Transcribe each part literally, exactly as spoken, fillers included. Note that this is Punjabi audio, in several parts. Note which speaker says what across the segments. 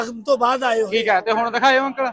Speaker 1: ਤੋਂ ਬਾਅਦ ਆਏ
Speaker 2: ਠੀਕ ਹੈ ਤੇ ਹੁਣ ਦਿਖਾਇਓ ਅੰਕਲ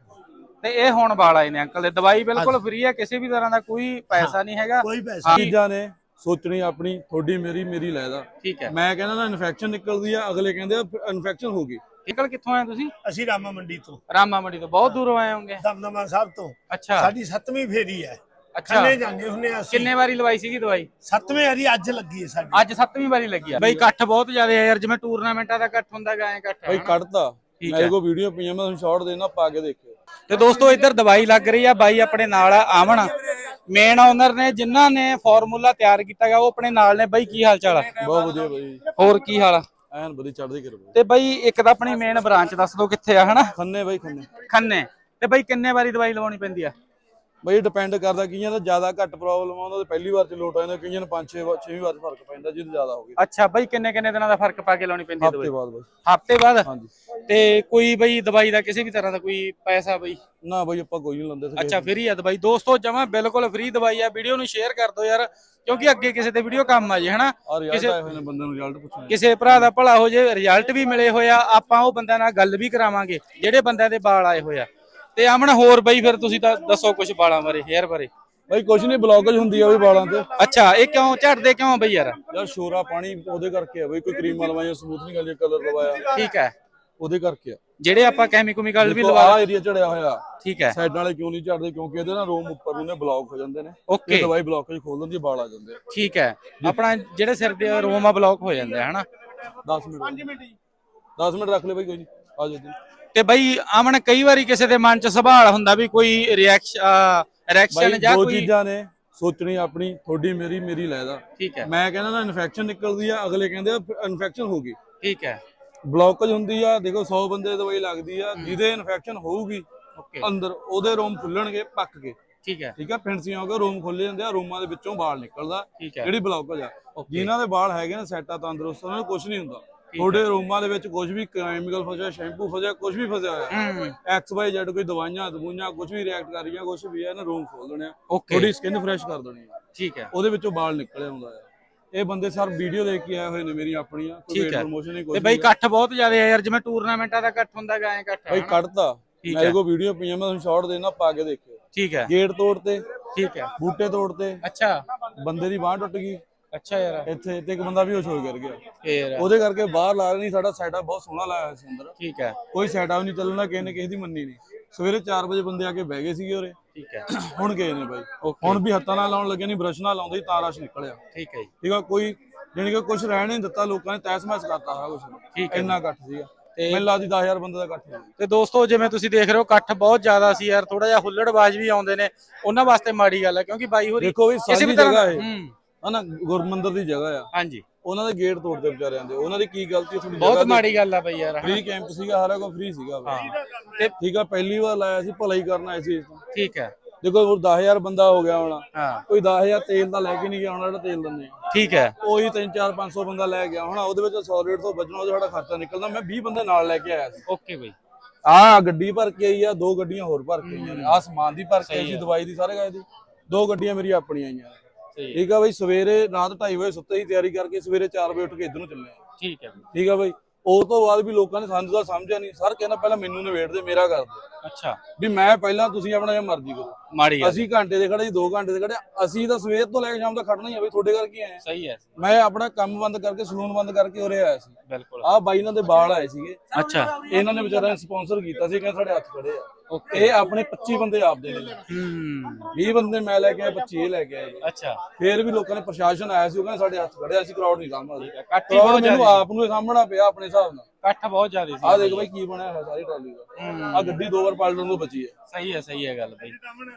Speaker 2: ਤੇ ਇਹ ਹੁਣ ਵਾਲ ਆਏ ਨੇ ਅੰਕਲ ਦੇ ਦਵਾਈ ਬਿਲਕੁਲ ਫ੍ਰੀ ਹੈ ਕਿਸੇ ਵੀ ਤਰ੍ਹਾਂ ਦਾ ਕੋਈ ਪੈਸਾ ਨਹੀਂ ਹੈਗਾ
Speaker 1: ਕੋਈ ਪੈਸਾ
Speaker 3: ਚੀਜ਼ਾਂ ਨੇ ਸੋਚਣੀ ਆਪਣੀ ਥੋੜੀ ਮੇਰੀ ਮੇਰੀ ਲੈਦਾ
Speaker 2: ਠੀਕ ਹੈ
Speaker 3: ਮੈਂ ਕਹਿੰਦਾ ਨਾ ਇਨਫੈਕਸ਼ਨ ਨਿਕਲਦੀ ਆ ਅਗਲੇ ਕਹਿੰਦੇ ਇਨਫੈਕਸ਼ਨ ਹੋ ਗਈ
Speaker 2: ਅੰਕਲ ਕਿੱਥੋਂ ਆਏ ਤੁਸੀਂ
Speaker 1: ਅਸੀਂ ਰਾਮਾ ਮੰਡੀ ਤੋਂ
Speaker 2: ਰਾਮਾ ਮੰਡੀ ਤੋਂ ਬਹੁਤ ਦੂਰੋਂ ਆਏ ਹੋਗੇ
Speaker 1: ਦਮਦਮਾ ਸਾਹਿਬ ਤੋਂ
Speaker 2: ਅੱਛਾ
Speaker 1: ਸਾਡੀ ਸੱਤਵੀਂ ਫੇਰੀ ਹੈ
Speaker 2: ਅੱਛਾ
Speaker 1: ਖੰਨੇ ਜਾਂਦੇ ਹੁੰਨੇ ਅਸੀਂ
Speaker 2: ਕਿੰਨੇ ਵਾਰੀ ਲਵਾਈ ਸੀਗੀ ਦਵਾਈ
Speaker 1: ਸੱਤਵੇਂ ਵਾਰੀ ਅੱਜ ਲੱਗੀ ਹੈ ਸਾਡੀ
Speaker 2: ਅੱਜ ਸੱਤਵੀਂ ਵਾਰੀ ਲੱਗੀ ਆ ਬਈ ਇਕੱਠ ਬਹੁਤ ਜ਼ਿਆਦਾ ਹੈ ਯਾਰ ਜਿਵੇਂ ਟੂਰਨਾਮੈਂਟਾਂ ਦਾ ਇਕੱਠ ਹੁੰਦਾ ਗਾ ਐ ਇਕੱਠ
Speaker 3: ਬਈ ਕੱਢਤਾ ਮੇਰੇ ਕੋਲ ਵੀਡੀਓ ਪਈਆਂ ਮੈਂ ਤੁਹਾਨੂੰ ਸ਼ਾਰਟ ਦੇਣਾ ਪਾ ਕੇ ਦੇਖਿਓ
Speaker 2: ਤੇ ਦੋਸਤੋ ਇੱਧਰ ਦਵਾਈ ਲੱਗ ਰਹੀ ਆ ਬਾਈ ਆਪਣੇ ਨਾਲ ਆ ਆਵਣ ਮੇਨ ਓਨਰ ਨੇ ਜਿਨ੍ਹਾਂ ਨੇ ਫਾਰਮੂਲਾ ਤਿਆਰ ਕੀਤਾ ਗਾ ਉਹ ਆਪਣੇ ਨਾਲ ਨੇ ਬਾਈ ਕੀ ਹਾਲ ਚਾਲ ਆ
Speaker 3: ਬਹੁਤ ਵਧੀਆ ਬਾਈ
Speaker 2: ਹੋਰ ਕੀ ਹਾਲ ਆ
Speaker 3: ਐਨ ਵਧੀਆ ਚੜ੍ਹਦੀ ਕਰੋ
Speaker 2: ਤੇ ਬਾਈ ਇੱਕ ਤਾਂ ਆਪਣੀ ਮੇਨ ਬ੍ਰਾਂਚ ਦੱਸ ਦਿਓ ਕਿੱਥੇ ਆ ਹਨਾ
Speaker 3: ਖੰਨੇ ਬਾਈ ਖੰਨੇ
Speaker 2: ਖੰਨੇ ਤੇ ਬਾਈ ਕਿੰਨੇ ਵਾਰੀ ਦਵਾਈ ਲਵਾਉਣੀ ਪੈਂਦੀ ਆ
Speaker 3: ਬਈ ਡਿਪੈਂਡ ਕਰਦਾ ਕਈਆਂ ਦਾ ਜ਼ਿਆਦਾ ਘੱਟ ਪ੍ਰੋਬਲਮ ਆਉਂਦਾ ਤੇ ਪਹਿਲੀ ਵਾਰ ਚ ਲੋਟ ਆ ਜਾਂਦਾ ਕਈਆਂ ਨੂੰ ਪੰਜ ਛੇ ਛੇਵੀਂ ਵਾਰ ਚ ਫਰਕ ਪੈਂਦਾ ਜਿਹਨੂੰ ਜ਼ਿਆਦਾ ਹੋ ਗਿਆ
Speaker 2: ਅੱਛਾ ਬਾਈ ਕਿੰਨੇ ਕਿੰਨੇ ਦਿਨਾਂ ਦਾ ਫਰਕ ਪਾ ਕੇ ਲਾਉਣੀ ਪੈਂਦੀ ਹੈ
Speaker 3: ਹਫ਼ਤੇ
Speaker 2: ਦਵਾਈ
Speaker 3: ਬਾਅਦ ਬਾਈ
Speaker 2: ਹਫ਼ਤੇ ਬਾਅਦ
Speaker 3: ਹਾਂਜੀ
Speaker 2: ਤੇ ਕੋਈ ਬਈ ਦਵਾਈ ਦਾ ਕਿਸੇ ਵੀ ਤਰ੍ਹਾਂ ਦਾ ਕੋਈ ਪੈਸਾ ਬਈ
Speaker 3: ਨਾ ਬਾਈ ਆਪਾਂ ਕੋਈ ਨਹੀਂ ਲੰਦੇ
Speaker 2: ਅੱਛਾ ਫ੍ਰੀ ਆ ਦਵਾਈ ਦੋਸਤੋ ਜਮਾ ਬਿਲਕੁਲ ਫ੍ਰੀ ਦਵਾਈ ਆ ਵੀਡੀਓ ਨੂੰ ਸ਼ੇਅਰ ਕਰ ਦਿਓ ਯਾਰ ਕਿਉਂਕਿ ਅੱਗੇ ਕਿਸੇ ਤੇ ਵੀਡੀਓ ਕੰਮ ਆ ਜੇ ਹਨਾ
Speaker 3: ਕਿਸੇ ਆਏ ਹੋਏ ਨੇ ਬੰਦੇ ਨੂੰ ਰਿਜ਼ਲਟ ਪੁੱਛਣਾ
Speaker 2: ਕਿਸੇ ਭਰਾ ਦਾ ਭਲਾ ਹੋ ਜੇ ਰਿਜ਼ਲਟ ਵੀ ਮਿਲੇ ਹੋਏ ਆ ਆਪਾਂ ਉਹ ਬੰਦਿਆਂ ਨਾਲ ਗੱਲ ਵੀ ਕਰਾਵਾਂਗੇ ਜਿਹੜੇ ਬੰਦਿਆਂ ਦੇ ਵਾਲ ਆਏ ਹੋਏ ਆ ਤੇ ਆਮਣ ਹੋਰ ਬਈ ਫਿਰ ਤੁਸੀਂ ਤਾਂ ਦੱਸੋ ਕੁਝ ਵਾਲਾਂ ਬਾਰੇ ਹੇਅਰ ਬਾਰੇ
Speaker 3: ਬਾਈ ਕੁਝ ਨਹੀਂ ਬਲੌਕੇਜ ਹੁੰਦੀ ਆ ਵੀ ਵਾਲਾਂ ਤੇ
Speaker 2: ਅੱਛਾ ਇਹ ਕਿਉਂ ਝੜਦੇ ਕਿਉਂ ਬਈ ਯਾਰ
Speaker 3: ਯਾਰ ਸ਼ੋਰਾ ਪਾਣੀ ਉਹਦੇ ਕਰਕੇ ਆ ਬਈ ਕੋਈ ਕਰੀਮਾਂ ਲਵਾਈਆਂ ਸਮੂਥਨਿੰਗ ਵਾਲੀ ਕਲਰ ਲਵਾਇਆ
Speaker 2: ਠੀਕ ਹੈ
Speaker 3: ਉਹਦੇ ਕਰਕੇ ਆ
Speaker 2: ਜਿਹੜੇ ਆਪਾਂ ਕੈਮੀਕਲ ਵੀ
Speaker 3: ਲਵਾ
Speaker 2: ਲਵਾ
Speaker 3: ਆ ਏਰੀਆ ਝੜਿਆ ਹੋਇਆ
Speaker 2: ਠੀਕ ਹੈ
Speaker 3: ਸਾਈਡਾਂ ਵਾਲੇ ਕਿਉਂ ਨਹੀਂ ਝੜਦੇ ਕਿਉਂਕਿ ਇਹਦੇ ਨਾਲ ਰੋਮ ਉੱਪਰ ਨੂੰ ਨੇ ਬਲੌਕ ਹੋ ਜਾਂਦੇ ਨੇ
Speaker 2: ਓਕੇ
Speaker 3: ਇਹ ਦਵਾਈ ਬਲੌਕੇਜ ਖੋਲ ਦਿੰਦੀ ਵਾਲ ਆ ਜਾਂਦੇ ਆ
Speaker 2: ਠੀਕ ਹੈ ਆਪਣਾ ਜਿਹੜੇ ਸਿਰ ਦੇ ਰੋਮਾ ਬਲੌਕ ਹੋ ਜਾਂਦੇ ਆ ਹਨਾ
Speaker 3: ਦਸ ਮਿੰਟ ਪੰਜ ਮਿੰਟ ਦਸ ਮਿੰਟ ਰੱਖ ਲੈ ਬਾਈ ਕੋਈ ਨਹੀਂ ਆ ਜਾ
Speaker 2: ਤੇ ਬਈ ਆਮਣ ਕਈ ਵਾਰੀ ਕਿਸੇ ਦੇ ਮਨ ਚ ਸਵਾਲ ਹੁੰਦਾ ਵੀ ਕੋਈ ਰਿਐਕਸ਼ਨ ਰਿਐਕਸ਼ਨ ਜਾਂ
Speaker 3: ਦੋ
Speaker 2: ਕੋਈ
Speaker 3: ਚੀਜ਼ਾਂ ਨੇ ਸੋਚਣੀ ਆਪਣੀ ਥੋੜੀ ਮੇਰੀ ਮੇਰੀ ਲੈਦਾ
Speaker 2: ਠੀਕ ਹੈ
Speaker 3: ਮੈਂ ਕਹਿੰਦਾ ਨਾ ਇਨਫੈਕਸ਼ਨ ਨਿਕਲਦੀ ਆ ਅਗਲੇ ਕਹਿੰਦੇ ਇਨਫੈਕਸ਼ਨ ਹੋ ਗਈ
Speaker 2: ਠੀਕ ਹੈ
Speaker 3: ਬਲੌਕੇਜ ਹੁੰਦੀ ਆ ਦੇਖੋ ਸੌ ਬੰਦੇ ਦੀ ਦਵਾਈ ਲੱਗਦੀ ਆ ਜਿਹਦੇ ਇਨਫੈਕਸ਼ਨ ਹੋਊਗੀ
Speaker 2: ਓਕੇ
Speaker 3: ਅੰਦਰ ਉਹਦੇ ਰੋਮ ਖੁੱਲਣਗੇ ਪੱਕ ਕੇ
Speaker 2: ਠੀਕ ਹੈ
Speaker 3: ਠੀਕ ਆ ਫਿੰਸੀਆਂ ਹੋ ਕੇ ਰੋਮ ਖੁੱਲੇ ਜਾਂਦੇ ਆ ਰੋਮਾਂ ਦੇ ਵਿੱਚੋਂ ਵਾਲ ਨਿਕਲਦਾ
Speaker 2: ਠੀਕ ਹੈ
Speaker 3: ਜਿਹੜੀ ਬਲੌਕੇਜ ਆ ਜਿਨ੍ਹਾਂ ਦੇ ਵਾਲ ਹੈਗੇ ਨੇ ਸੈੱਟ ਆ ਤੰਦਰੁਸਤ ਉਹਨਾਂ ਨੂੰ ਕੁਝ ਨਹੀਂ ਹੁੰਦਾ ਤੁਹਾਡੇ ਰੋਮਾਂ ਦੇ ਵਿੱਚ ਕੁਝ ਵੀ ਕੈਮੀਕਲ ਫਸਿਆ ਸ਼ੈਂਪੂ ਫਸਿਆ ਕੁਝ ਵੀ ਫਸਿਆ ਹੋਇਆ ਐਕਸ ਵਾਈ ਜ਼ੈਡ ਕੋਈ ਦਵਾਈਆਂ ਦਵਾਈਆਂ ਕੁਝ ਵੀ ਰਿਐਕਟ ਕਰ ਰਹੀਆਂ ਕੁਝ ਵੀ ਆ ਇਹਨਾਂ ਰੋਮ ਖੋਲ ਦੇਣੇ ਆ ਤੁਹਾਡੀ ਸਕਿਨ ਫਰੈਸ਼ ਕਰ ਦੇਣੀ ਆ
Speaker 2: ਠੀਕ ਹੈ
Speaker 3: ਉਹਦੇ ਵਿੱਚੋਂ ਵਾਲ ਨਿਕਲ ਆਉਂਦਾ ਆ ਇਹ ਬੰਦੇ ਸਰ ਵੀਡੀਓ ਦੇਖ ਕੇ ਆਏ ਹੋਏ ਨੇ ਮੇਰੀ ਆਪਣੀਆਂ ਕੋਈ ਵੇਟ ਪ੍ਰੋਮੋਸ਼ਨ ਨਹੀਂ ਕੋਈ
Speaker 2: ਤੇ ਬਈ ਇਕੱਠ ਬਹੁਤ ਜ਼ਿਆਦਾ ਹੈ ਯਾਰ ਜਿਵੇਂ ਟੂਰਨਾਮੈਂਟਾਂ ਦਾ ਇਕੱਠ ਹੁੰਦਾ ਗਾ ਐ ਇਕੱਠ
Speaker 3: ਬਈ ਕੱਢਤਾ ਮੇਰੇ ਕੋਲ ਵੀਡੀਓ ਪਈਆਂ ਮੈਂ ਤੁਹਾਨੂੰ ਸ਼ਾਰਟ ਦੇਣਾ ਪਾ ਕੇ ਦੇਖਿਓ
Speaker 2: ਠੀਕ ਹੈ
Speaker 3: ਗੇਟ ਤੋੜਤੇ
Speaker 2: ਠੀਕ ਹੈ
Speaker 3: ਬੂਟੇ ਤੋੜਤੇ
Speaker 2: ਅੱਛਾ
Speaker 3: ਬੰਦੇ ਦੀ ਬਾਂਹ ਟੁੱਟ ਗਈ
Speaker 2: ਅੱਛਾ ਯਾਰ
Speaker 3: ਇੱਥੇ ਤੇ ਇੱਕ ਬੰਦਾ ਵੀ ਹੋਸ਼ ਹੋ ਗਿਰ ਗਿਆ
Speaker 2: ਫੇਰ
Speaker 3: ਉਹਦੇ ਕਰਕੇ ਬਾਹਰ ਲਾ ਰਹੇ ਨਹੀਂ ਸਾਡਾ ਸੈਟਅਪ ਬਹੁਤ ਸੋਹਣਾ ਲਾਇਆ ਹੋਇਆ ਸੀ ਅੰਦਰ
Speaker 2: ਠੀਕ ਹੈ
Speaker 3: ਕੋਈ ਸੈਟਅਪ ਨਹੀਂ ਚੱਲਣਾ ਕਿਸੇ ਨੇ ਕਿਸੇ ਦੀ ਮੰਨੀ ਨਹੀਂ ਸਵੇਰੇ ਚਾਰ ਵਜੇ ਬੰਦੇ ਆ ਕੇ ਬਹਿ ਗਏ ਸੀਗੇ ਉਰੇ
Speaker 2: ਠੀਕ ਹੈ
Speaker 3: ਹੁਣ ਗਏ ਨੇ ਬਾਈ ਹੁਣ ਵੀ ਹੱਥਾਂ ਨਾਲ ਲਾਉਣ ਲੱਗੇ ਨਹੀਂ ਬ੍ਰਸ਼ ਨਾਲ ਲਾਉਂਦੇ ਤਾਂ ਰਸ਼ ਨਿਕਲਿਆ
Speaker 2: ਠੀਕ ਹੈ ਜੀ
Speaker 3: ਠੀਕ ਆ ਕੋਈ ਜਾਨੀ ਕਿ ਕੁਝ ਰਹਿਣ ਨਹੀਂ ਦਿੱਤਾ ਲੋਕਾਂ ਨੇ ਤੈਸ ਮੈਸ ਕਰਤਾ ਸਾਰਾ ਕੁਝ ਇੰਨਾ ਇਕੱਠ ਸੀਗਾ ਤੇ ਮੈਨੂੰ ਲੱਗਦੀ ਦਸ ਹਜ਼ਾਰ ਬੰਦੇ ਦਾ ਇਕੱਠ ਸੀ
Speaker 2: ਤੇ ਦੋਸਤੋ ਜਿਵੇਂ ਤੁਸੀਂ ਦੇਖ ਰਹੇ ਹੋ ਇਕੱਠ ਬਹੁਤ ਜ਼ਿਆਦਾ ਸੀ ਯਾਰ ਥੋੜਾ ਜਿਹਾ ਹੁੱਲੜਬਾਜ਼ ਵੀ ਆਉਂਦੇ ਨੇ ਉਹਨਾਂ ਵਾਸਤੇ ਮਾੜੀ ਗੱਲ ਹੈ ਕਿਉਂਕਿ ਬਾਈ ਹੋਰੀ
Speaker 3: ਦੇਖੋ ਵੀ ਸਾਡੀ ਜਗ੍ਹਾ ਹੈ
Speaker 2: ਹੂੰ
Speaker 3: ਹਨਾ ਗੁਰਮੰਦਰ ਦੀ ਜਗ੍ਹਾ ਆ
Speaker 2: ਹਾਂਜੀ
Speaker 3: ਉਹਨਾਂ ਦੇ ਗੇਟ ਤੋੜਦੇ ਵਿਚਾਰਿਆਂ ਦੇ ਉਹਨਾਂ ਦੀ ਕੀ ਗਲਤੀ ਤੁਹਾਡੀ
Speaker 2: ਬਹੁਤ ਮਾੜੀ ਗੱਲ ਆ ਬਈ ਯਾਰ
Speaker 3: ਫ੍ਰੀ ਕੈਂਪ ਸੀਗਾ ਸਾਰਾ ਕੁਝ ਫ੍ਰੀ ਸੀਗਾ ਤੇ ਠੀਕ ਆ ਪਹਿਲੀ ਵਾਰ ਲਾਇਆ ਸੀ ਭਲਾਈ ਕਰਨ ਆਏ ਸੀ
Speaker 2: ਠੀਕ ਹੈ
Speaker 3: ਦੇਖੋ ਹੋਰ ਦਸ ਹਜ਼ਾਰ ਬੰਦਾ ਹੋ ਗਿਆ ਹੋਣਾ
Speaker 2: ਹਾਂ
Speaker 3: ਕੋਈ ਦਸ ਹਜ਼ਾਰ ਤੇਲ ਦਾ ਲੈ ਕੇ ਨਹੀਂ ਗਿਆ ਹੋਣਾ ਜਿਹੜਾ ਤੇਲ ਦਿੰਦੇ
Speaker 2: ਠੀਕ ਹੈ
Speaker 3: ਉਹੀ ਤਿੰਨ ਚਾਰ ਪੰਜ ਸੌ ਬੰਦਾ ਲੈ ਗਿਆ ਹੋਣਾ ਉਹਦੇ ਵਿੱਚ ਸੌ ਰੇਟ ਤੋਂ ਬਚਣਾ ਉਹਦਾ ਸਾਡਾ ਖਰਚਾ ਨਿਕਲਦਾ ਮੈਂ ਵੀਹ ਬੰਦੇ ਨਾਲ ਲੈ ਕੇ ਆਇਆ ਸੀ
Speaker 2: ਓਕੇ ਬਈ
Speaker 3: ਆਹ ਗੱਡੀ ਭਰ ਕੇ ਆਈ ਆ ਦੋ ਗੱਡੀਆਂ ਹੋਰ ਭਰ ਕੇ ਆਈਆਂ ਨੇ ਆਹ ਸਮਾਨ ਦੀ ਭਰ ਕੇ ਆਈ ਸੀ ਦਵਾਈ ਦੀ ਸਾਰੇ ਗਏ ਦੀ ਦੋ ਗੱਡੀਆਂ ਮੇਰੀਆਂ ਆਪਣੀਆਂ ਆਈਆਂ ਠੀਕ ਆ ਬਈ ਸਵੇਰੇ ਰਾਤ ਢਾਈ ਵਜੇ ਸੁੱਤੇ ਹੀ ਤਿਆਰੀ ਕਰਕੇ ਸਵੇਰੇ ਚਾਰ ਵਜੇ ਉੱਠ ਕੇ ਇੱਧਰ ਨੂੰ ਚੱਲੇ
Speaker 2: ਠੀਕ ਹੈ
Speaker 3: ਠੀਕ ਆ ਬਈ ਉਸ ਤੋਂ ਬਾਅਦ ਵੀ ਲੋਕਾਂ ਨੇ ਸਾਨੂੰ ਤਾਂ ਸਮਝਿਆ ਨਹੀਂ ਸਰ ਕਹਿੰਦਾ ਪਹਿਲਾਂ ਮੈਨੂੰ ਨਿਬੇੜ ਦੇ ਮੇਰਾ ਕਰ ਦੇ
Speaker 2: ਅੱਛਾ
Speaker 3: ਵੀ ਮੈਂ ਪਹਿਲਾਂ ਤੁਸੀਂ ਆਪਣਾ ਜਿਹਾ ਮਰਜ਼ੀ ਕਰੋ
Speaker 2: ਮਾੜੀ ਗੱਲ
Speaker 3: ਅਸੀਂ ਘੰਟੇ ਦੇ ਖੜੇ ਜੀ ਦੋ ਘੰਟੇ ਦੇ ਖੜੇ ਅਸੀਂ ਤਾਂ ਸਵੇਰ ਤੋਂ ਲੈ ਕੇ ਸ਼ਾਮ ਤੱਕ ਖੜਨਾ ਹੀ ਆ ਬਈ ਤੁਹਾਡੇ ਕਰਕੇ ਆਏ
Speaker 2: ਸਹੀ ਹੈ
Speaker 3: ਮੈਂ ਆਪਣਾ ਕੰਮ ਬੰਦ ਕਰਕੇ ਸਲੂਨ ਬੰਦ ਕਰਕੇ ਉਰੇ ਆਇਆ ਸੀ
Speaker 2: ਬਿਲਕੁਲ
Speaker 3: ਆਹ ਬਾਈ ਇਹਨਾਂ ਦੇ ਵਾਲ ਆਏ ਸੀਗੇ
Speaker 2: ਅੱਛਾ
Speaker 3: ਇਹਨਾਂ ਨੇ ਵਿਚਾਰਿਆਂ ਨੇ ਸਪਾਂਸਰ ਕੀਤਾ ਸੀ ਕਹਿੰਦੇ ਸਾਡੇ ਹੱਥ ਖੜੇ ਆ ਇਹ ਆਪਣੇ ਪੱਚੀ ਬੰਦੇ ਆਪਦੇ ਨੇ
Speaker 2: ਹੂੰ
Speaker 3: ਵੀਹ ਬੰਦੇ ਮੈਂ ਲੈ ਕੇ ਆਇਆ ਪੱਚੀ ਇਹ ਲੈ ਕੇ ਆਏ
Speaker 2: ਅੱਛਾ
Speaker 3: ਫੇਰ ਵੀ ਲੋਕਾਂ ਨੇ ਪ੍ਰਸ਼ਾਸਨ ਆਇਆ ਸੀ ਉਹ ਕਹਿੰਦੇ ਸਾਡੇ ਹੱਥ ਖੜੇ ਅਸੀਂ ਕਰਾਊਡ ਨਹੀਂ ਸਾਂਭਦੇ
Speaker 2: ਇਕੱਠ ਬਹੁਤ
Speaker 3: ਮੈਨੂੰ ਆਪ ਨੂੰ ਸਾਂਭਣਾ ਪਿਆ ਆਪਣੇ ਹਿਸਾਬ ਨਾਲ
Speaker 2: ਇਕੱਠ ਬਹੁਤ ਜ਼ਿਆਦਾ ਸੀ
Speaker 3: ਆਹ ਦੇਖ ਬਾਈ ਕੀ ਬਣਿਆ ਹੋਇਆ ਸਾਰੀ ਟਰਾਲੀ ਦਾ ਆਹ ਗੱਡੀ ਦੋ ਵਾਰ ਪਲਟਣ ਤੋਂ ਬਚੀ ਹੈ
Speaker 2: ਸਹੀ ਹੈ ਸਹੀ ਹੈ ਗੱਲ ਬਈ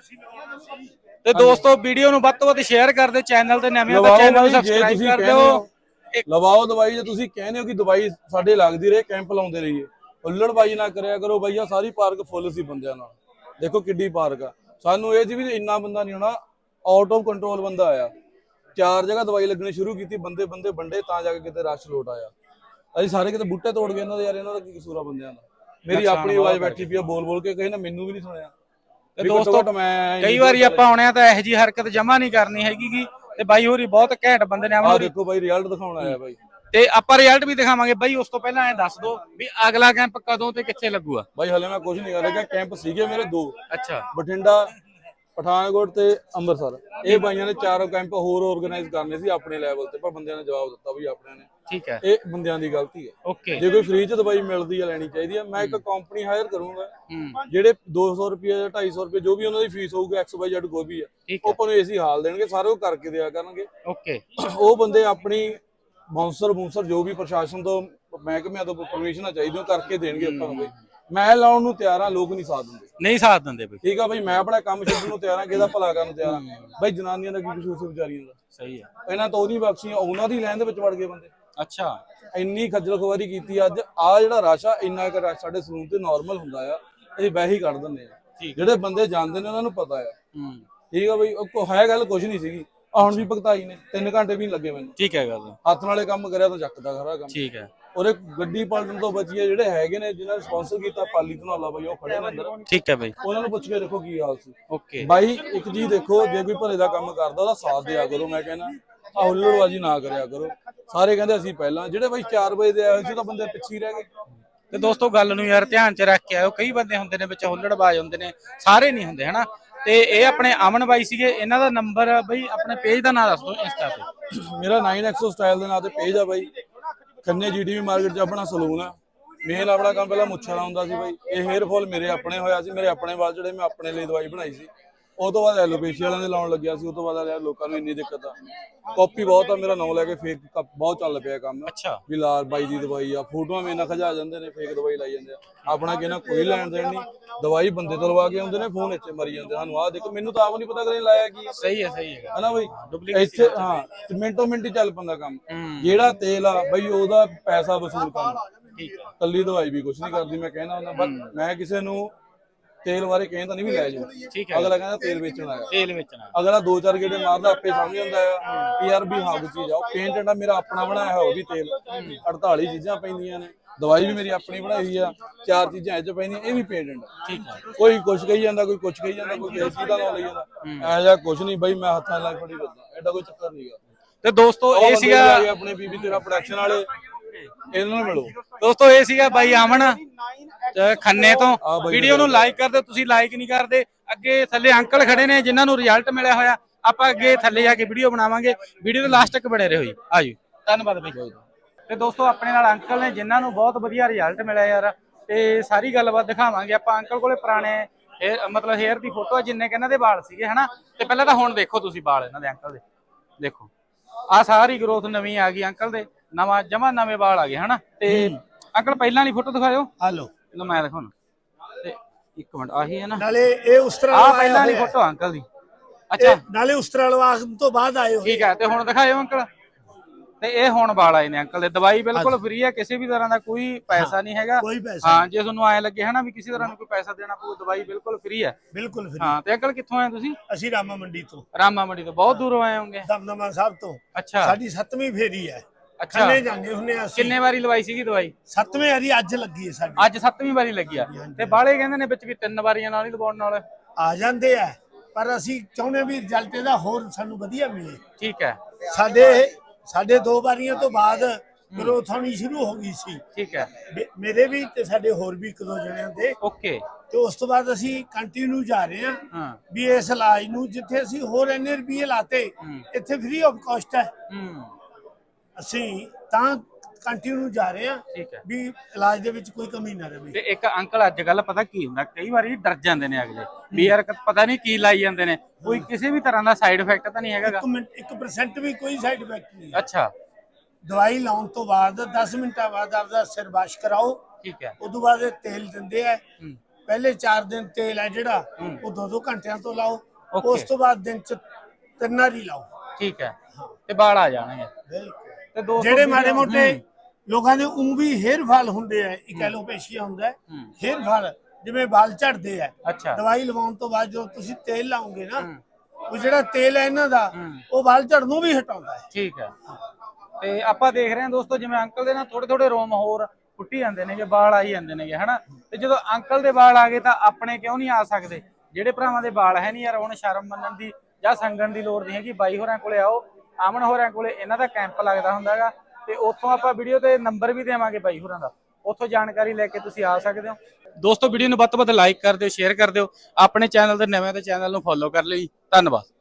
Speaker 2: ਤੇ ਦੋਸਤੋ ਵੀਡੀਓ ਨੂੰ ਵੱਧ ਤੋਂ ਵੱਧ ਸ਼ੇਅਰ ਕਰ ਦਿਓ ਚੈਨਲ ਤੇ ਨਵੇਂ ਹੋ ਤਾਂ ਚੈਨਲ ਨੂੰ ਸਬਸਕ੍ਰਾਈਬ ਕਰ ਦਿਓ
Speaker 3: ਲਵਾਓ ਦਵਾਈ ਜੇ ਤੁਸੀਂ ਕਹਿੰਦੇ ਹੋ ਕਿ ਦਵਾਈ ਸਾਡੇ ਲੱਗਦੀ ਰਹੇ ਕੈਂਪ ਲਾਉਂਦੇ ਰਹੀਏ ਹੁੱਲੜਬਾਜੀ ਨਾ ਕਰਿਆ ਕਰੋ ਬਈਆ ਸਾਰੀ ਪਾਰਕ ਫੁੱਲ ਸੀ ਬੰਦਿਆਂ ਨਾਲ ਦੇਖੋ ਕਿੱਡੀ ਪਾਰਕ ਆ ਸਾਨੂੰ ਇਹ ਸੀ ਵੀ ਇੰਨਾ ਬੰਦਾ ਨਹੀਂ ਹੋਣਾ ਆਊਟ ਆਫ ਕੰਟਰੋਲ ਬੰਦਾ ਆਇਆ ਚਾਰ ਜਗ੍ਹਾ ਦਵਾਈ ਲੱਗਣੀ ਸ਼ੁਰੂ ਕੀਤੀ ਬੰਦੇ ਬੰਦੇ ਵੰਡੇ ਤਾਂ ਜਾ ਕੇ ਕਿਤੇ ਰਸ਼ ਲੋਟ ਆਇਆ ਅਸੀਂ ਸਾਰੇ ਕਿਤੇ ਬੂਟੇ ਤੋੜ ਗਏ ਇਹਨਾਂ ਦੇ ਯਾਰ ਇਹਨਾਂ ਦਾ ਕੀ ਕਸੂਰ ਆ ਬੰਦਿਆਂ ਦਾ ਮੇਰੀ ਆਪਣੀ ਆਵਾਜ਼ ਬੈਠੀ ਪਈ ਆ ਬੋਲ ਬੋਲ ਕੇ ਕਹੇ ਨਾ ਮੈਨੂੰ ਵੀ ਨਹੀਂ ਸੁਣਿਆ
Speaker 2: ਤੇ ਦੋਸਤੋ ਮੈਂ ਕਈ ਵਾਰੀ ਆਪਾਂ ਆਉਣੇ ਆ ਤਾਂ ਇਹੋ ਜੀ ਹਰਕਤ ਜਮਾ ਨਹੀਂ ਕਰਨੀ ਹੈਗੀ ਤੇ ਬਾਈ ਹੋਰੀ ਬਹੁਤ ਘੈਂਟ ਬੰਦੇ ਨੇ
Speaker 3: ਆ ਦੇਖੋ ਬਾਈ ਰਿਜ਼ਲਟ ਦਿਖਾਉਣ ਆਇਆ ਬਾਈ
Speaker 2: ਤੇ ਆਪਾਂ ਰਿਜ਼ਲਟ ਵੀ ਦਿਖਾਵਾਂਗੇ ਬਾਈ। ਉਸ ਤੋਂ ਪਹਿਲਾਂ ਐ ਦੱਸ ਦੋ ਵੀ ਅਗਲਾ ਕੈਂਪ ਕਦੋਂ ਤੇ ਕਿੱਥੇ ਲੱਗੂਗਾ?
Speaker 3: ਬਾਈ ਹਲੇ ਮੈਂ ਕੁਝ ਨਹੀਂ ਕਰ ਰਿਹਾ, ਕੈਂਪ ਸੀਗੇ ਮੇਰੇ ਦੋ,
Speaker 2: ਅੱਛਾ
Speaker 3: ਬਠਿੰਡਾ, ਪਠਾਨਕੋਟ ਤੇ ਅੰਮ੍ਰਿਤਸਰ। ਇਹ ਬਾਈਆਂ ਨੇ ਚਾਰੋਂ ਕੈਂਪ ਹੋਰ ਆਰਗੇਨਾਈਜ਼ ਕਰਨੇ ਸੀ ਆਪਣੇ ਲੈਵਲ ਤੇ, ਪਰ ਬੰਦਿਆਂ ਨੇ ਜਵਾਬ ਦਿੱਤਾ ਵੀ ਆਪਣੇ ਨੇ।
Speaker 2: ਠੀਕ ਹੈ,
Speaker 3: ਇਹ ਬੰਦਿਆਂ ਦੀ ਗਲਤੀ ਹੈ।
Speaker 2: ਓਕੇ।
Speaker 3: ਜੇ ਕੋਈ ਫ੍ਰੀ ਚ ਦਵਾਈ ਮਿਲਦੀ ਹੈ ਲੈਣੀ ਚਾਹੀਦੀ ਹੈ। ਮੈਂ ਇੱਕ ਕੰਪਨੀ ਹਾਇਰ ਕਰੂੰਗਾ,
Speaker 2: ਹੂੰ
Speaker 3: ਜਿਹੜੇ ਦੋ ਸੌ ਰੁਪਏ ਜਾਂ ਢਾਈ ਸੌ ਰੁਪਏ ਜੋ ਵੀ ਉਹਨਾਂ ਦੀ ਫੀਸ ਹੋਊਗੀ, ਐਕਸ ਵਾਈ ਜ਼ੈਡ ਕੋਈ ਵੀ ਹੈ,
Speaker 2: ਠੀਕ
Speaker 3: ਉਹ
Speaker 2: ਹੈ,
Speaker 3: ਆਪਾਂ ਨੂੰ ਏਸੀ ਹਾਲ ਦੇਣਗੇ, ਸਾਰੇ ਉਹ ਕਰਕੇ ਦਿਆ ਕਰਨਗੇ।
Speaker 2: ਓਕੇ।
Speaker 3: ਉਹ ਬੰਦੇ ਆਪਣੀ ਬਾਉਂਸਰ ਬੂੰਸਰ ਜੋ ਵੀ ਪ੍ਰਸ਼ਾਸਨ ਤੋਂ ਮਹਿਕਮਿਆਂ ਤੋਂ ਪਰਮਿਸ਼ਨਾਂ ਚਾਹੀਦੀਆਂ ਕਰਕੇ ਦੇਣਗੇ ਆਪਾਂ ਨੂੰ। ਬਈ ਮੈਂ ਲਾਉਣ ਨੂੰ ਤਿਆਰ ਹਾਂ, ਲੋਕ ਨਹੀਂ ਸਾਥ ਦਿੰਦੇ।
Speaker 2: ਨਹੀਂ ਸਾਥ ਦਿੰਦੇ ਬਈ।
Speaker 3: ਠੀਕ ਆ ਬਈ, ਮੈਂ ਆਪਣਾ ਕੰਮ ਛੱਡਣ ਨੂੰ ਤਿਆਰ ਹਾਂ, ਕਿਹਦਾ ਭਲਾ ਕਰਨ ਨੂੰ ਤਿਆਰ ਹਾਂ। ਬਈ ਜਨਾਨੀਆਂ ਦਾ ਕੀ ਕਸੂਰ ਸੀ ਵਿਚਾਰੀਆਂ ਦਾ?
Speaker 2: ਸਹੀ ਹੈ।
Speaker 3: ਇਹਨਾਂ ਤੋਂ ਉਹਦੀ ਬਖਸ਼ੀਆਂ, ਉਹਨਾਂ ਦੀ ਲਾਈਨ ਦੇ ਵਿੱਚ ਵੜ ਗਏ ਬੰਦੇ।
Speaker 2: ਅੱਛਾ,
Speaker 3: ਇੰਨੀ ਖੱਜਲ ਖੁਆਰੀ ਕੀਤੀ ਅੱਜ। ਆ ਜਿਹੜਾ ਰਸ਼ ਆ, ਇੰਨਾ ਕੁ ਰਸ਼ ਸਾਡੇ ਸਲੂਨ ਤੇ ਨਾਰਮਲ ਹੁੰਦਾ ਆ, ਅਸੀਂ ਵੈਸੇ ਹੀ ਕੱਢ ਦਿੰਦੇ ਆ। ਜਿਹੜੇ ਬੰਦੇ ਜਾਂਦੇ ਨੇ ਉਹਨਾਂ ਨੂੰ ਪਤਾ ਆ।
Speaker 2: ਹੂੰ
Speaker 3: ਠੀਕ ਆ ਬਈ, ਉਹ ਹੈ ਗੱਲ ਕੁਝ ਨਹੀਂ ਸੀਗੀ। ਹੁਣ ਵੀ ਭਗਤਾਈ ਨੇ, ਤਿੰਨ ਘੰਟੇ ਵੀ ਨਹੀਂ ਲੱਗੇ ਮੈਨੂੰ।
Speaker 2: ਠੀਕ ਹੈ ਗੱਲ,
Speaker 3: ਹੱਥ ਨਾਲੇ ਕੰਮ ਕਰਿਆ ਤਾਂ ਚੱਕਦਾ ਖਰਾ ਕੰਮ।
Speaker 2: ਠੀਕ ਹੈ।
Speaker 3: ਉਹਦੇ ਗੱਡੀ ਪਲਟਣ ਤੋਂ ਬਚੀ ਹੈ। ਜਿਹੜੇ ਹੈਗੇ ਨੇ ਜਿਨ੍ਹਾਂ ਨੇ ਸਪਾਂਸਰ ਕੀਤਾ, ਪਾਲੀ ਧਨੌਲਾ ਬਾਈ, ਉਹ ਖੜੇ ਨੇ ਅੰਦਰ।
Speaker 2: ਠੀਕ ਹੈ ਬਾਈ,
Speaker 3: ਉਹਨਾਂ ਨੂੰ ਪੁੱਛ ਕੇ ਦੇਖੋ ਕੀ ਹਾਲ ਸੀ।
Speaker 2: ਓਕੇ
Speaker 3: ਬਾਈ ਇੱਕ ਚੀਜ਼ ਦੇਖੋ, ਜੇ ਕੋਈ ਭਲੇ ਦਾ ਕੰਮ ਕਰਦਾ ਉਹਦਾ ਸਾਥ ਦਿਆ ਕਰੋ। ਮੈਂ ਕਹਿੰਦਾ ਆ ਹੁੱਲੜਬਾਜ਼ੀ ਨਾ ਕਰਿਆ ਕਰੋ। ਸਾਰੇ ਕਹਿੰਦੇ ਅਸੀਂ ਪਹਿਲਾਂ, ਜਿਹੜੇ ਬਾਈ ਚਾਰ ਵਜੇ ਦੇ ਆਏ ਹੋਏ ਸੀ ਤਾਂ ਬੰਦੇ ਪਿੱਛੇ ਹੀ ਰਹਿ ਗਏ।
Speaker 2: ਤੇ ਦੋਸਤੋ ਗੱਲ ਨੂੰ ਯਾਰ ਧਿਆਨ ਚ ਰੱਖ ਕੇ ਆਇਓ, ਕਈ ਬੰਦੇ ਹੁੰਦੇ ਨੇ ਵਿੱਚ ਹੁੱਲੜਬਾਜ਼ ਹੁੰਦੇ ਨੇ, ਸਾਰੇ ਨਹੀਂ ਹੁੰਦੇ ਹਨਾ। ਤੇ ਇਹ ਆਪਣੇ ਅਮਨ ਬਾਈ ਸੀਗੇ, ਇਹਨਾਂ ਦਾ ਨੰਬਰ ਬਈ ਆਪਣੇ ਪੇਜ ਦਾ ਨਾਮ ਦੱਸ ਦਿਓ ਇੰਸਟਾ ਤੇ।
Speaker 3: ਮੇਰਾ ਨਾਈਨ ਐਕਸੋ ਸਟਾਈਲ ਦੇ ਨਾਂ ਤੇ ਪੇਜ ਆ ਬਾਈ। ਖੰਨੇ ਜੀਡੀਵੀ ਮਾਰਕੀਟ 'ਚ ਆਪਣਾ ਸਲੂਨ ਆ। ਮੇਨ ਆਪਣਾ ਕੰਮ ਪਹਿਲਾਂ ਮੁੱਛਾਂ ਦਾ ਹੁੰਦਾ ਸੀ ਬਾਈ। ਇਹ ਹੇਅਰ ਫਾਲ ਮੇਰੇ ਆਪਣੇ ਹੋਇਆ ਸੀ, ਮੇਰੇ ਆਪਣੇ ਵਾਲ ਜਿਹੜੇ ਮੈਂ ਆਪਣੇ ਲਈ ਦਵਾਈ ਬਣਾਈ ਸੀ। ਉਹ ਤੋਂ ਬਾਅਦ ਐਲੋਪੇਸ਼ੀ ਵਾਲਿਆਂ ਦੇ ਲਾਉਣ ਲੱਗਿਆ ਸੀ। ਉਹ ਤੋਂ ਬਾਅਦ ਯਾਰ ਲੋਕਾਂ ਨੂੰ ਇੰਨੀ ਦਿੱਕਤ ਆ, ਕਾਪੀ ਬਹੁਤ ਆ, ਮੇਰਾ ਨਾਂ ਲੈ ਕੇ ਫੇਕ ਬਹੁਤ ਚੱਲ ਪਿਆ ਕੰਮ।
Speaker 2: ਅੱਛਾ,
Speaker 3: ਵੀ ਲਾਲ ਬਾਈ ਦੀ ਦਵਾਈ ਆ, ਫੋਟੋਆਂ ਮੇਰੇ ਨਾਲ ਖਜਾ ਜਾਂਦੇ ਨੇ, ਫੇਕ ਦਵਾਈ ਲਾਈ ਜਾਂਦੇ ਆ। ਆਪਣਾ ਕਿਹਨਾਂ ਕੋਈ ਲੈਣ ਦੇਣ ਨਹੀਂ, ਦਵਾਈ ਬੰਦੇ ਤੋਂ ਲਵਾ ਕੇ ਆਉਂਦੇ ਨੇ, ਫੋਨ ਇੱਥੇ ਮਰੀ ਜਾਂਦੇ ਸਾਨੂੰ। ਆਹ ਦੇਖੋ, ਮੈਨੂੰ ਤਾਂ ਆਪ ਨਹੀਂ ਪਤਾ ਕਦੇ ਲਾਇਆ ਕੀ ਹੈ।
Speaker 2: ਸਹੀ ਹੈ, ਸਹੀ ਹੈ
Speaker 3: ਹਨਾ ਬਈ, ਇੱਥੇ ਹਾਂ ਮਿੰਟੋ ਮਿੰਟ ਹੀ ਚੱਲ ਪੈਂਦਾ ਕੰਮ। ਜਿਹੜਾ ਤੇਲ ਆ ਬਈ ਉਹਦਾ ਪੈਸਾ ਵਸੂਲ ਕਰਨਾ, ਕੱਲੀ ਦਵਾਈ ਵੀ ਕੁਛ ਨਹੀਂ ਕਰਦੀ। ਮੈਂ ਕਹਿਣਾ ਹੁੰਦਾ, ਬਸ ਮੈਂ ਕਿਸੇ ਨੂੰ ਤੇਲ ਬਾਰੇ ਕਹਿੰਦਾ ਨਹੀਂ ਵੀ ਲੈ ਜਾਓ। ਅਗਲਾ ਕਹਿੰਦਾ ਤੇਲ ਵੇਚਣਾ ਹੈ,
Speaker 2: ਤੇਲ ਵੇਚਣਾ।
Speaker 3: ਅਗਲਾ ਦੋ ਚਾਰ ਗੇੜੇ ਮਾਰਦਾ, ਆਪੇ ਸਮਝ ਜਾਂਦਾ ਆ ਕਿ ਯਾਰ ਵੀ ਹਾਂ ਕੋਈ ਚੀਜ਼ ਆ। ਉਹ ਪੇਂਟ ਜਿਹੜਾ ਮੇਰਾ ਆਪਣਾ ਬਣਾਇਆ ਹੋਇਆ, ਉਹ ਵੀ ਤੇਲ ਅੜਤਾਲੀ ਚੀਜ਼ਾਂ ਪੈਂਦੀਆਂ ਨੇ। ਦਵਾਈ ਵੀ ਮੇਰੀ ਆਪਣੀ ਬਣਾਈ ਹੋਈ ਆ, ਚਾਰ ਚੀਜ਼ਾਂ ਇਹ ਚ ਪੈਂਦੀਆਂ, ਇਹ ਵੀ ਪੇਟੈਂਟ। ਠੀਕ ਹੈ, ਕੋਈ ਕੁਛ ਕਹੀ ਜਾਂਦਾ, ਕੋਈ ਕੁਛ ਕਹੀ ਜਾਂਦਾ, ਕੋਈ ਕਿਸੇ ਚੀਜ਼ ਦਾ ਨਾਂ ਲਈ ਜਾਂਦਾ। ਇਹੋ ਜਿਹਾ ਕੁਛ ਨਹੀਂ ਬਈ, ਮੈਂ ਹੱਥਾਂ ਨਾਲ ਫੜੀ ਫਿਰਦਾ, ਐਡਾ ਕੋਈ ਚੱਕਰ ਨਹੀਂਗਾ।
Speaker 2: ਤੇ ਦੋਸਤੋ ਇਹ ਸੀਗਾ
Speaker 3: ਆਪਣੇ ਬੀਬੀ ਤੇਰਾ ਪ੍ਰੋਡਕਸ਼ਨ ਵਾਲੇ, ਇਹਨਾਂ ਨੂੰ ਮਿਲੋ।
Speaker 2: ਦੋਸਤੋ ਇਹ ਸੀਗਾ ਬਾਈ ਅਮਨ ਖੰਨੇ ਤੋਂ। ਵੀਡੀਓ ਨੂੰ ਲਾਈਕ ਕਰ ਦਿਓ, ਤੁਸੀਂ ਲਾਈਕ ਨਹੀਂ ਕਰਦੇ। ਅੱਗੇ ਥੱਲੇ ਅੰਕਲ ਖੜੇ ਨੇ ਜਿਨ੍ਹਾਂ ਨੂੰ ਰਿਜ਼ਲਟ ਮਿਲਿਆ ਹੋਇਆ। ਆਪਾਂ ਅੱਗੇ ਥੱਲੇ ਜਾ ਕੇ ਵੀਡੀਓ ਬਣਾਵਾਂਗੇ। ਵੀਡੀਓ ਦੇ ਲਾਸਟ ਤੱਕ ਬਣੇ ਰਹੋ ਜੀ। ਆਜੋ, ਧੰਨਵਾਦ ਬਾਈ। ਤੇ ਦੋਸਤੋ ਆਪਣੇ ਨਾਲ ਅੰਕਲ ਨੇ ਜਿਨ੍ਹਾਂ ਨੂੰ ਬਹੁਤ ਵਧੀਆ ਰਿਜ਼ਲਟ ਮਿਲਿਆ ਯਾਰ, ਤੇ ਸਾਰੀ ਗੱਲਬਾਤ ਦਿਖਾਵਾਂਗੇ ਆਪਾਂ। ਅੰਕਲ ਕੋਲੇ ਪੁਰਾਣੇ ਮਤਲਬ ਹੇਅਰ ਦੀ ਫੋਟੋ, ਜਿੰਨੇ ਕਿ ਇਹਨਾਂ ਦੇ ਵਾਲ ਸੀਗੇ ਹਨਾ। ਤੇ ਪਹਿਲਾਂ ਤਾਂ ਹੁਣ ਦੇਖੋ ਤੁਸੀਂ ਵਾਲ ਇਹਨਾਂ ਦੇ ਅੰਕਲ ਦੇ, ਦੇਖੋ ਆਹ ਸਾਰੀ ਗਰੋਥ ਨਵੀਂ ਆ ਗਈ ਅੰਕਲ ਦੇ, ਨਵਾਂ ਜਮਾ ਨਵੇਂ ਵਾਲ ਆ ਗਏ ਹਨਾ। ਤੇ ਅੰਕਲ ਪਹਿਲਾਂ ਵਾਲੀ ਫੋਟੋ ਦਿਖਾਇਓ।
Speaker 1: ਹਲੋ
Speaker 2: ਲੋ ਮੈਂ ਦਿਖਾਉਣਾ, ਤੇ ਇੱਕ ਮਿੰਟ ਆਹੀ ਹੈ ਨਾ,
Speaker 1: ਨਾਲੇ ਇਹ ਉਸ ਤਰ੍ਹਾਂ
Speaker 2: ਆਹ ਪਹਿਲਾਂ ਵਾਲੀ ਫੋਟੋ ਅੰਕਲ ਦੀ। ਅੱਛਾ,
Speaker 1: ਨਾਲੇ ਉਸ ਤਰ੍ਹਾਂ ਲਵਾਉਣ ਤੋਂ ਬਾਅਦ ਆਏ ਹੋਏ।
Speaker 2: ਠੀਕ ਹੈ, ਤੇ ਹੁਣ ਦਿਖਾਇਓ ਅੰਕਲ। ਤੇ ਇਹ ਹੁਣ ਵਾਲ ਆਏ ਨੇ ਅੰਕਲ ਦੇ। ਦਵਾਈ ਬਿਲਕੁਲ ਫ੍ਰੀ ਹੈ, ਕਿਸੇ ਵੀ ਤਰ੍ਹਾਂ ਦਾ ਕੋਈ ਪੈਸਾ ਨਹੀਂ ਹੈਗਾ।
Speaker 1: ਕੋਈ ਪੈਸਾ
Speaker 2: ਹਾਂ, ਜੇ ਤੁਹਾਨੂੰ ਐ ਲੱਗੇ ਹਨਾ ਵੀ ਕਿਸੇ ਤਰ੍ਹਾਂ ਨੂੰ ਕੋਈ ਪੈਸਾ ਦੇਣਾ ਪਊ, ਦਵਾਈ ਬਿਲਕੁਲ ਫ੍ਰੀ ਹੈ।
Speaker 1: ਬਿਲਕੁਲ ਫ੍ਰੀ।
Speaker 2: ਹਾਂ, ਤੇ ਅੰਕਲ ਕਿੱਥੋਂ ਆਏ ਤੁਸੀਂ?
Speaker 1: ਅਸੀਂ ਰਾਮਾ ਮੰਡੀ ਤੋਂ।
Speaker 2: ਰਾਮਾ ਮੰਡੀ ਤੋਂ ਬਹੁਤ ਦੂਰੋਂ ਆਏ ਹੋਗੇ?
Speaker 1: ਦਮਦਮਾ ਸਾਹਿਬ ਤੋਂ।
Speaker 2: ਅੱਛਾ,
Speaker 1: ਸਾਡੀ ਸੱਤਵੀਂ ਫੇਰੀ ਹੈ।
Speaker 2: ਅੱਛਾ,
Speaker 1: ਖੰਨੇ ਜਾਂਦੇ ਹੁੰਨੇ ਅਸੀਂ।
Speaker 2: ਕਿੰਨੇ ਵਾਰੀ ਲਵਾਈ ਸੀਗੀ ਦਵਾਈ?
Speaker 1: ਸੱਤਵੇਂ ਵਾਰੀ ਅੱਜ ਲੱਗੀ ਹੈ ਸਾਡੀ।
Speaker 2: ਅੱਜ ਸੱਤਵੀਂ ਵਾਰੀ ਲੱਗੀ ਆ। ਤੇ ਬਾਲੇ ਕਹਿੰਦੇ ਨੇ ਵਿੱਚ ਵੀ ਤਿੰਨ ਵਾਰੀਆਂ ਨਾਲ ਹੀ ਲਵਾਉਣ ਨਾਲ
Speaker 1: ਆ ਜਾਂਦੇ ਆ, ਪਰ ਅਸੀਂ ਚਾਹੁੰਦੇ ਵੀ ਰਿਜ਼ਲਟ ਇਹਦਾ ਹੋਰ ਸਾਨੂੰ ਵਧੀਆ ਮਿਲੇ।
Speaker 2: ਠੀਕ ਹੈ,
Speaker 1: ਸਾਡੇ ਸਾਡੇ ਦੋ ਵਾਰੀਆਂ ਤੋਂ ਬਾਅਦ ਗਰੋਥ ਹੋਣੀ ਸ਼ੁਰੂ ਹੋ ਗਈ ਸੀ।
Speaker 2: ਠੀਕ ਹੈ,
Speaker 1: ਮੇਰੇ ਵੀ ਤੇ ਸਾਡੇ ਹੋਰ ਵੀ ਇੱਕ ਦੋ ਜਣਿਆਂ ਦੇ।
Speaker 2: ਓਕੇ।
Speaker 1: ਤੇ ਉਸ ਤੋਂ ਬਾਅਦ ਅਸੀਂ ਕੰਟੀਨਿਊ ਜਾ ਰਹੇ ਹਾਂ
Speaker 2: ਹਾਂ
Speaker 1: ਵੀ ਇਸ ਇਲਾਜ ਨੂੰ, ਜਿੱਥੇ ਅਸੀਂ ਹੋਰ ਇੰਨੇ ਰੁਪਏ ਲਾਤੇ, ਇੱਥੇ ਫ੍ਰੀ ਆਫ ਕਾਸਟ ਹੈ।
Speaker 2: ਹੂੰ,
Speaker 1: ਅਸੀਂ ਤਾਂ ਕੰਟੀਨਿਊ ਜਾ ਰਹੇ ਹਾਂ
Speaker 2: ਠੀਕ ਹੈ,
Speaker 1: ਵੀ ਇਲਾਜ ਦੇ ਵਿੱਚ ਕੋਈ ਕਮੀ ਨਾ ਰਹੇ।
Speaker 2: ਤੇ ਇੱਕ ਅੰਕਲ ਅੱਜ ਕੱਲ ਪਤਾ ਕੀ ਹੁੰਦਾ, ਕਈ ਵਾਰੀ ਡਰ ਜਾਂਦੇ ਨੇ ਅਗਲੇ ਵੀ ਯਾਰ ਪਤਾ ਨਹੀਂ ਕੀ ਲਾਈ ਜਾਂਦੇ ਨੇ, ਕੋਈ ਕਿਸੇ ਵੀ ਤਰ੍ਹਾਂ ਦਾ ਸਾਈਡ ਇਫੈਕਟ ਤਾਂ ਨਹੀਂ ਹੈਗਾ?
Speaker 1: ਇੱਕ ਮਿੰਟ ਇੱਕ ਪਰਸੈਂਟ ਵੀ ਕੋਈ ਸਾਈਡ ਇਫੈਕਟ ਨਹੀਂ।
Speaker 2: ਅੱਛਾ,
Speaker 1: ਦਵਾਈ ਲਾਉਣ ਤੋਂ ਬਾਅਦ ਦਸ ਮਿੰਟਾਂ ਬਾਅਦ ਆਪਦਾ ਸਿਰ ਵਾਸ਼ ਕਰਾਓ।
Speaker 2: ਠੀਕ ਹੈ,
Speaker 1: ਉਸ ਤੋਂ ਬਾਅਦ ਇਹ ਤੇਲ ਦਿੰਦੇ ਆ। ਪਹਿਲੇ ਚਾਰ ਦਿਨ ਤੇਲ ਹੈ ਜਿਹੜਾ ਉਹ ਦੋ ਦੋ ਘੰਟਿਆਂ ਤੋਂ ਲਾਓ। ਉਸ ਤੋਂ ਬਾਅਦ ਦਿਨ ਚ ਤਿੰਨ ਵਾਰੀ ਲਾਓ।
Speaker 2: ਠੀਕ ਹੈ, ਤੇ ਵਾਲ ਆ ਜਾਣਗੇ। ਤੇ ਦੋ
Speaker 1: ਜਿਹੜੇ ਮਾੜੇ ਮੋਟੇ ਲੋਕਾਂ ਦੇ ਉਂ ਵੀ ਹੇਅਰ ਫਾਲ ਹੁੰਦੇ ਆ, ਇੱਕ ਐਲੋਪੇਸ਼ੀਆ ਹੁੰਦਾ, ਹੇਅਰ ਫਾਲ ਜਿਵੇਂ ਵਾਲ ਝੜਦੇ ਆ।
Speaker 2: ਅੱਛਾ,
Speaker 1: ਦਵਾਈ ਲਵਾਉਣ ਤੋਂ ਬਾਅਦ ਜੋ ਤੁਸੀਂ ਤੇਲ ਲਾਓਗੇ ਨਾ, ਉਹ ਜਿਹੜਾ ਤੇਲ ਹੈ ਇਹਨਾਂ ਦਾ, ਉਹ ਵਾਲ ਝੜਨੋਂ ਵੀ ਹਟਾਉਂਦਾ ਹੈ।
Speaker 2: ਠੀਕ ਹੈ, ਤੇ ਆਪਾਂ ਦੇਖ ਰਹੇ ਹਾਂ ਦੋਸਤੋ, ਜਿਵੇਂ ਅੰਕਲ ਦੇ ਨਾਲ ਥੋੜੇ ਥੋੜੇ ਰੋਮ ਹੋਰ ਫੁੱਟੀ ਜਾਂਦੇ ਨੇਗੇ, ਵਾਲ ਆਈ ਜਾਂਦੇ ਨੇਗੇ ਹਨਾ। ਤੇ ਜਦੋਂ ਅੰਕਲ ਦੇ ਵਾਲ ਆ ਗਏ ਤਾਂ ਆਪਣੇ ਕਿਉਂ ਨਹੀਂ ਆ ਸਕਦੇ? ਜਿਹੜੇ ਭਰਾਵਾਂ ਦੇ ਵਾਲ ਹੈ ਨਹੀਂ ਯਾਰ, ਹੁਣ ਸ਼ਰਮ ਮੰਨਣ ਦੀ ਜਾਂ ਸੰਗਣ ਦੀ ਲੋੜ ਨਹੀਂ ਹੈਗੀ। ਬਾਈ ਹੋਰਾਂ ਕੋਲੇ ਆਓ, ਅਮਨ ਹੋਰਾਂ ਕੋਲੇ ਇਹਨਾਂ ਦਾ ਕੈਂਪ ਲੱਗਦਾ ਹੁੰਦਾ ਹੈਗਾ। ਤੇ ਉੱਥੋਂ ਆਪਾਂ ਵੀਡੀਓ ਤੇ ਨੰਬਰ ਵੀ ਦੇਵਾਂਗੇ ਬਾਈ ਹੋਰਾਂ ਦਾ, ਉੱਥੋਂ ਜਾਣਕਾਰੀ ਲੈ ਕੇ ਤੁਸੀਂ ਆ ਸਕਦੇ ਹੋ। ਦੋਸਤੋ ਵੀਡੀਓ ਨੂੰ ਵੱਧ ਤੋਂ ਵੱਧ ਲਾਈਕ ਕਰ ਦਿਓ, ਸ਼ੇਅਰ ਕਰ ਦਿਓ, ਆਪਣੇ ਚੈਨਲ ਤੇ ਨਵੇਂ ਤੇ ਚੈਨਲ ਨੂੰ ਫੋਲੋ ਕਰ ਲਿਓ ਜੀ। ਧੰਨਵਾਦ।